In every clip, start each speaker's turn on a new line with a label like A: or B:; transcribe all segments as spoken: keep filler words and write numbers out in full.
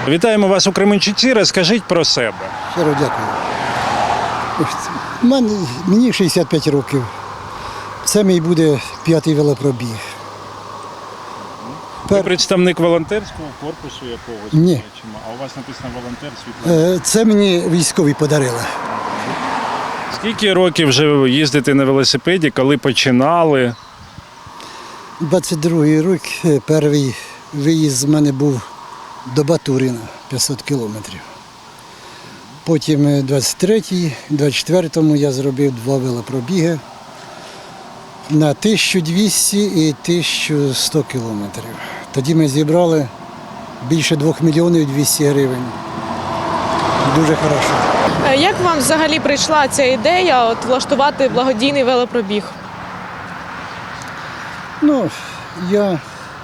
A: Вітаємо вас у Кременчуці. Розкажіть про себе.
B: Щиро дякую. Мен- Мені шістдесят п'ять років. Це мій буде п'ятий велопробіг.
A: Ви
B: Пер-
A: представник волонтерського корпусу якогось?
B: Ні.
A: Бачимо. А у вас написано волонтер світло.
B: Е, Це мені військові подарили.
A: Скільки років вже ви їздите на велосипеді, коли починали?
B: двадцять другий рік, е, перший виїзд з мене був до Батурина, п'ятсот кілометрів. Потім е, двадцять третій, двадцять четвертому я зробив два велопробіги на тисячу двісті і тисячу сто кілометрів. Тоді ми зібрали більше двох мільйонів двісті гривень. Дуже хорошо.
C: Е, Як вам взагалі прийшла ця ідея от, влаштувати благодійний велопробіг?
B: Ну, я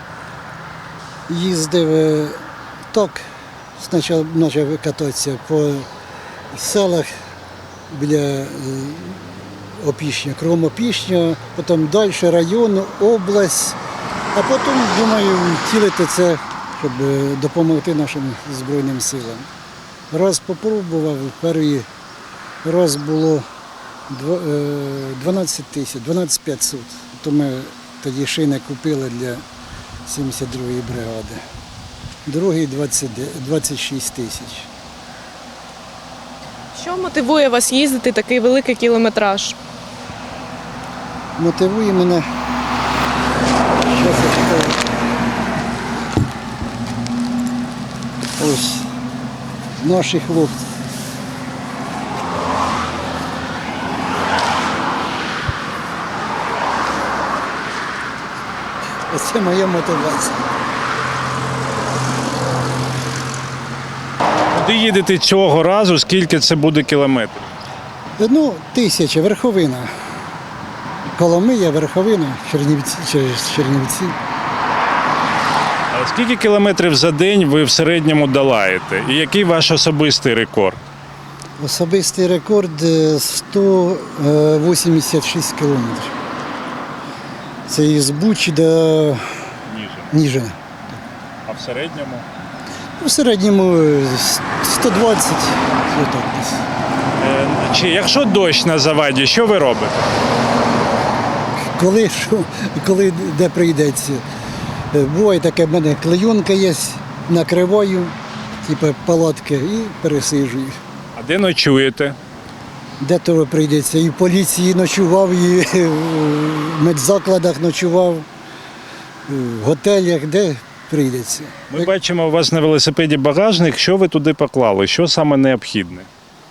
B: їздив е, так, спочатку почав кататися по селах біля е, Опішня, кругом Опішня, потім далі район, область, а потім, думаю, втілити це, щоб е, допомогти нашим Збройним силам. Раз попробував, перший раз було дв- е, дванадцять тисяч, дванадцять п'ятсот. То ми тоді шини купили для сімдесят другої бригади. Другий двадцять, двадцять шість тисяч.
C: Що мотивує вас їздити такий великий кілометраж?
B: Мотивує мене. Щас я читаю. Ось наші хлопці. Оце моя мотивація.
A: Куди їдете цього разу, скільки це буде кілометрів?
B: Ну, тисяча, верховина. Коломия, верховина, Чернівці, через Чернівці.
A: А скільки кілометрів за день ви в середньому долаєте? І який ваш особистий рекорд?
B: Особистий рекорд е, сто вісімдесят шість кілометрів. Це із Бучі до
A: Ніже.
B: Ніжина.
A: А в середньому?
B: У середньому е, сто двадцять, отак десь.
A: Е, Чи якщо дощ на заваді, що ви робите?
B: Коли, що, коли де прийдеться. Е, Буває таке, в мене клейонка є, накриваю, типу палатки і пересиджую.
A: А де ночуєте?
B: Де то прийдеться. І в поліції ночував, і в медзакладах ночував, в готелях, де прийдеться.
A: Ми бачимо у вас на велосипеді багажник. Що ви туди поклали? Що саме необхідне?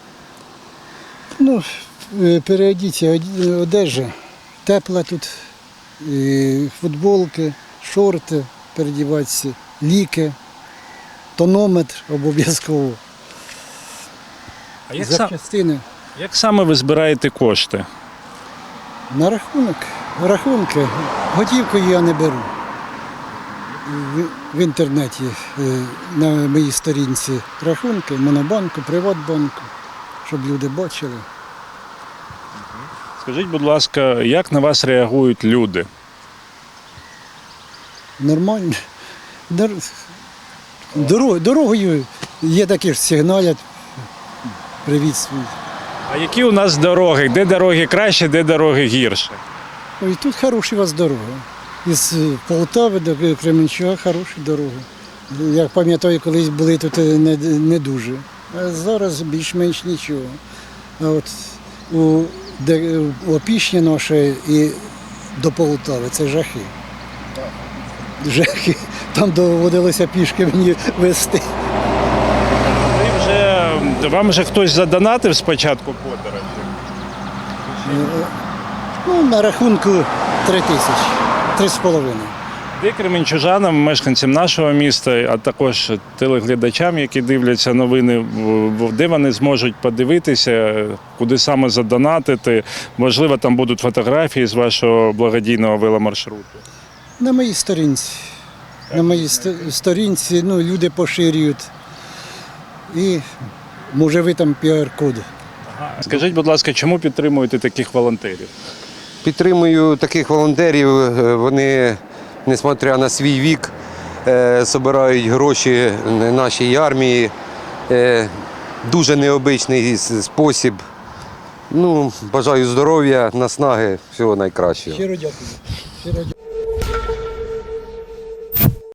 B: Ну, е, переодіться, оді- одежа, тепла тут, і футболки, шорти передіватися, ліки, тонометр обов'язково,
A: А як, сам,
B: запчастини.
A: як саме ви збираєте кошти?
B: На рахунок, рахунки, готівкою я не беру. В, в інтернеті е, на моїй сторінці рахунки, Монобанку, Приватбанку, щоб люди бачили.
A: Скажіть, будь ласка, як на вас реагують люди?
B: Нормально. Дор- Дорог, дорогою є такі ж сигналять. Привіт свій.
A: А які у нас дороги? Де дороги краще, де дороги гірше?
B: Ой, тут хороші у вас дороги. Із е, Полтави до Кременчука хороші дороги. Я пам'ятаю, колись були тут е, не, не дуже. А зараз більш-менш нічого. А от у, де, у Опішні наше і до Полтави це жахи. Жахи. Там доводилося пішки мені вести.
A: Ви вже, вам вже хтось задонатив спочатку подорожі?
B: Ну, на рахунку три тисячі, три з половиною.
A: Де кременчужанам, мешканцям нашого міста, а також телеглядачам, які дивляться новини, в- в- де вони зможуть подивитися, куди саме задонатити? Можливо, там будуть фотографії з вашого благодійного веломаршруту.
B: На моїй сторінці. На моїй сто- сторінці ну, люди поширюють. І може ви там піар-код.
A: Скажіть, будь ласка, чому підтримуєте таких волонтерів?
D: Підтримую таких волонтерів. Вони, несмотря на свій вік, е, збирають гроші нашій армії. Е, дуже необичний с- спосіб. Ну, бажаю здоров'я, наснаги, всього найкращого.
B: Щиро дякую. Щиро дякую.